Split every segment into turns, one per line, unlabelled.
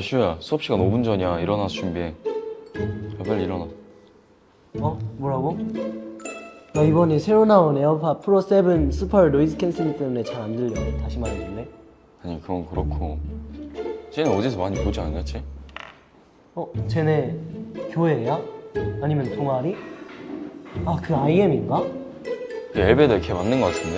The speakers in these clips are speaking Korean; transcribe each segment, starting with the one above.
슈야, 수업 시간 5분 전이야. 일어나서 준비해. 야, 빨리 일어나.
어? 뭐라고? 나 이번에 새로 나온 에어팟 프로 7 슈퍼 노이즈 캔슬링 때문에 잘 안 들려. 다시 말해줄래?
아니 그건 그렇고 쟤는 어디서 많이 보지 않았지?
어? 쟤네 교회야? 아니면 동아리? 아, 그 IM인가?
엘베드 걔 맞는 거 같은데?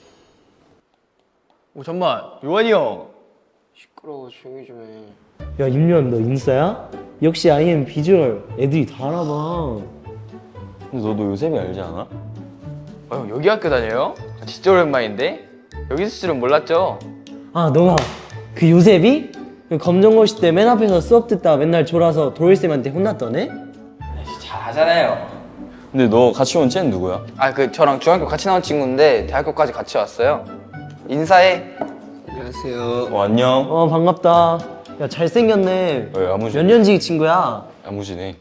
오 잠만 요한이 형.
시끄러워 조용히 좀 해.
야, 임요한 너 인싸야? 역시 IM 비주얼 애들이 다 알아봐.
근데 너도 요셉이 알지 않아?
형 여기 학교 다녀요? 진짜 오랜만인데? 여기 있을 줄은 몰랐죠?
아, 너가 그 요셉이? 그 검정고시 때 맨 앞에서 수업 듣다 맨날 졸아서 도일쌤한테 혼났던 애?
잘하잖아요.
근데 너 같이 온 쟤는 누구야?
아 그 저랑 중학교 같이 나온 친구인데 대학교까지 같이 왔어요. 인사해.
안녕하세요.
안녕.
어, 반갑다. 야, 잘생겼네.
왜 야무지?
몇 년지기 친구야?
야무지네.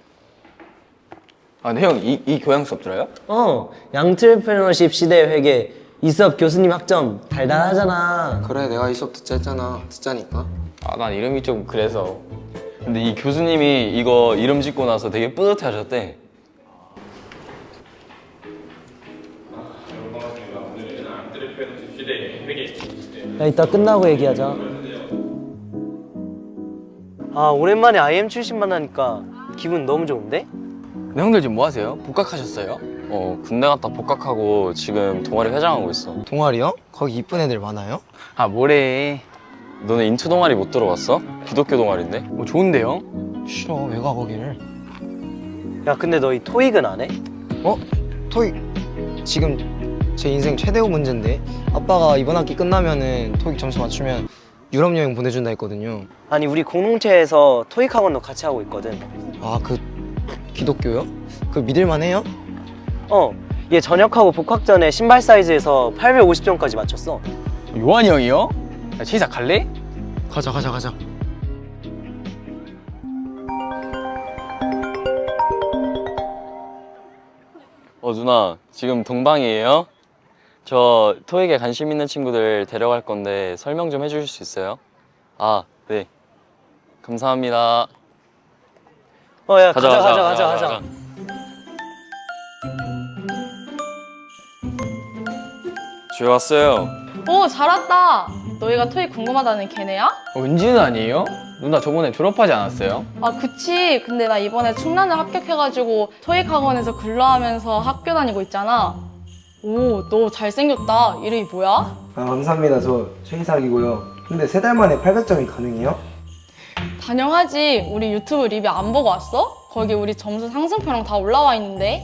아 근데 형 이 교양 수업 들어요?
양트레프너십 시대 회계 이 수업 교수님 학점 달달하잖아.
그래 내가 이 수업 듣자 했잖아. 듣자니까.
아 난 이름이 좀 그래서.
근데 이 교수님이 이거 이름 짓고 나서 되게 뿌듯해 하셨대.
야, 이따 끝나고 얘기하자. 아, 오랜만에 IM 출신 만나니까 기분 너무 좋은데?
근데 형들 지금 뭐 하세요? 복학하셨어요?
군대 갔다 복학하고 지금 동아리 회장하고 있어.
동아리요? 거기 이쁜 애들 많아요?
아 뭐래.
너네 인투 동아리 못 들어봤어? 기독교 동아리인데?
뭐 좋은데요?
싫어 왜 가 거기를?
야, 근데 너 이 토익은 안 해?
어? 토익 지금 제 인생 최대호 문제인데 아빠가 이번 학기 끝나면은 토익 점수 맞추면 유럽 여행 보내준다 했거든요.
아니, 우리 공동체에서 토익 학원도 같이 하고 있거든.
아 그 기독교요? 그 믿을만 해요?
얘 전역하고 복학 전에 신발 사이즈에서 850점까지 맞췄어.
요한이 형이요? 야 제이사 갈래?
가자.
누나 지금 동방이에요? 저 토익에 관심 있는 친구들 데려갈 건데 설명 좀 해주실 수 있어요? 아, 네. 감사합니다.
야, 가자.
주에 왔어요.
오, 잘 왔다. 너희가 토익 궁금하다는 걔네야?
은지는 아니에요? 누나 저번에 졸업하지 않았어요?
아, 그치. 근데 나 이번에 충남을 합격해가지고 토익 학원에서 근로하면서 학교 다니고 있잖아. 오, 너 잘생겼다. 이름이 뭐야?
아, 감사합니다. 저 최희삭이고요. 근데 3달 만에 800점이 가능해요?
당연하지. 우리 유튜브 리뷰 안 보고 왔어? 거기 우리 점수 상승표랑 다 올라와 있는데.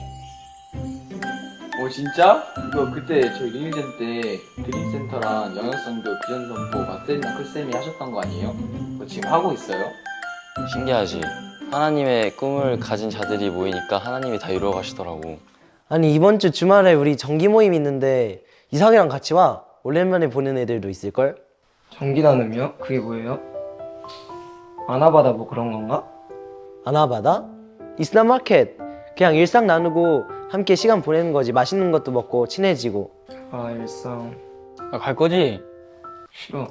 진짜? 이거 그때 저희 리뷰전 때 드림센터랑 영역성교 비전선포 마스터링랑 클쌤이 하셨던 거 아니에요? 그거 지금 하고 있어요?
신기하지? 하나님의 꿈을 가진 자들이 모이니까 하나님이 다 이루어 가시더라고.
아니, 이번 주 주말에 우리 정기 모임 있는데 이삭이랑 같이 와. 오랜만에 보는 애들도 있을걸?
전기 나눔이요? 그게 뭐예요? 아나바다 뭐 그런 건가?
아나바다? 이슬람 마켓. 그냥 일상 나누고 함께 시간 보내는 거지. 맛있는 것도 먹고 친해지고.
아, 일상
갈 거지?
싫어.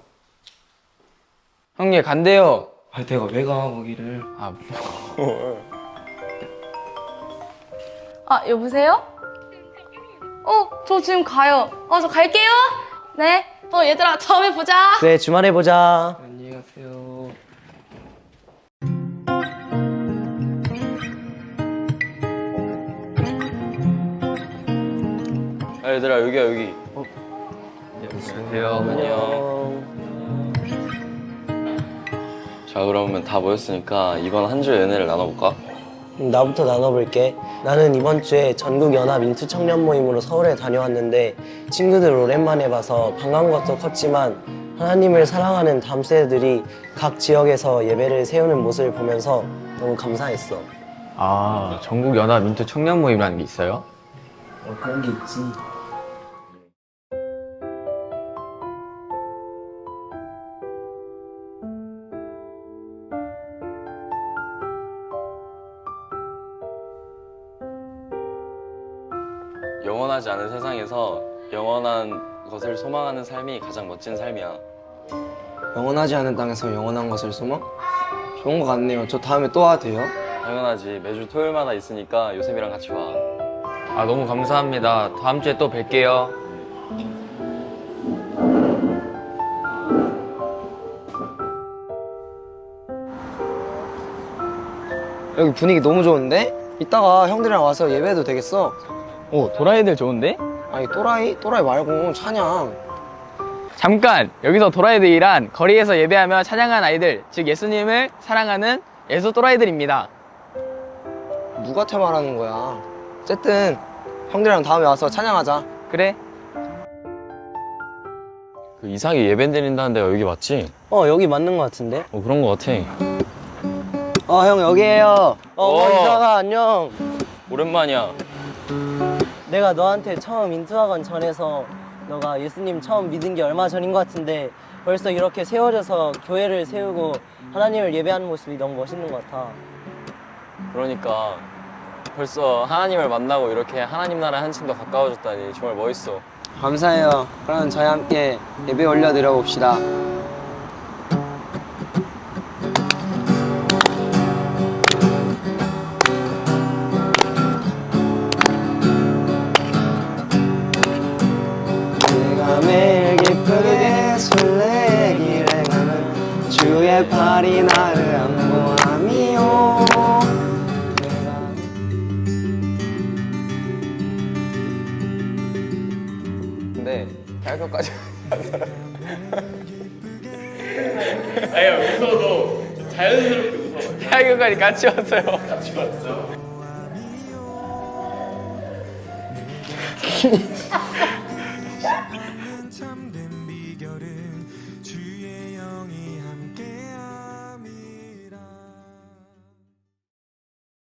형 얘 간대요.
아, 내가 왜 가 거기를?
아, 여보세요? 저 지금 가요. 저 갈게요. 네. 얘들아, 다음에 보자.
그래, 주말에 보자.
안녕히 가세요.
얘들아, 여기야, 여기.
안녕하세요.
안녕. 자, 그러면 다 모였으니까 이번 한 주의 은혜를 나눠볼까?
나부터 나눠볼게. 나는 이번 주에 전국 연합 인투 청년 모임으로 서울에 다녀왔는데 친구들 오랜만에 봐서 반가운 것도 컸지만 하나님을 사랑하는 다음 세대들이 각 지역에서 예배를 세우는 모습을 보면서 너무 감사했어.
아 전국 연합 민트 청년 모임이라는 게 있어요?
그런 게 있지.
영원하지 않은 세상에서 영원한 것을 소망하는 삶이 가장 멋진 삶이야.
영원하지 않은 땅에서 영원한 것을 소망? 좋은 것 같네요. 저 다음에 또 와도 돼요?
당연하지. 매주 토요일마다 있으니까 요셉이랑 같이 와.
아, 너무 감사합니다. 다음 주에 또 뵐게요.
여기 분위기 너무 좋은데? 이따가 형들이랑 와서 예배해도 되겠어?
오, 도라이들 좋은데?
아니 또라이? 또라이 말고 찬양.
잠깐! 여기서 도라이들이란 거리에서 예배하며 찬양한 아이들, 즉 예수님을 사랑하는 예수 또라이들입니다.
누구한테 말하는 거야? 어쨌든 형들이랑 다음에 와서 찬양하자.
그래?
그 이삭이 예배 드린다는 데가 여기 맞지?
여기 맞는 것 같은데?
그런 거 같아.
형 여기에요.
어.
이사가 안녕.
오랜만이야.
내가 너한테 처음 인투학원 전에서 너가 예수님 처음 믿은 게 얼마 전인 것 같은데 벌써 이렇게 세워져서 교회를 세우고 하나님을 예배하는 모습이 너무 멋있는 것 같아.
그러니까 벌써 하나님을 만나고 이렇게 하나님 나라에 한층 더 가까워졌다니 정말 멋있어.
감사해요. 그럼 저희 함께 예배 올려드려 봅시다. 내가 매일 기쁘게 술래기를 하는 주의 팔이 나를 안보함이요.
근데 대학교까지
대학교까지 같이 왔어요.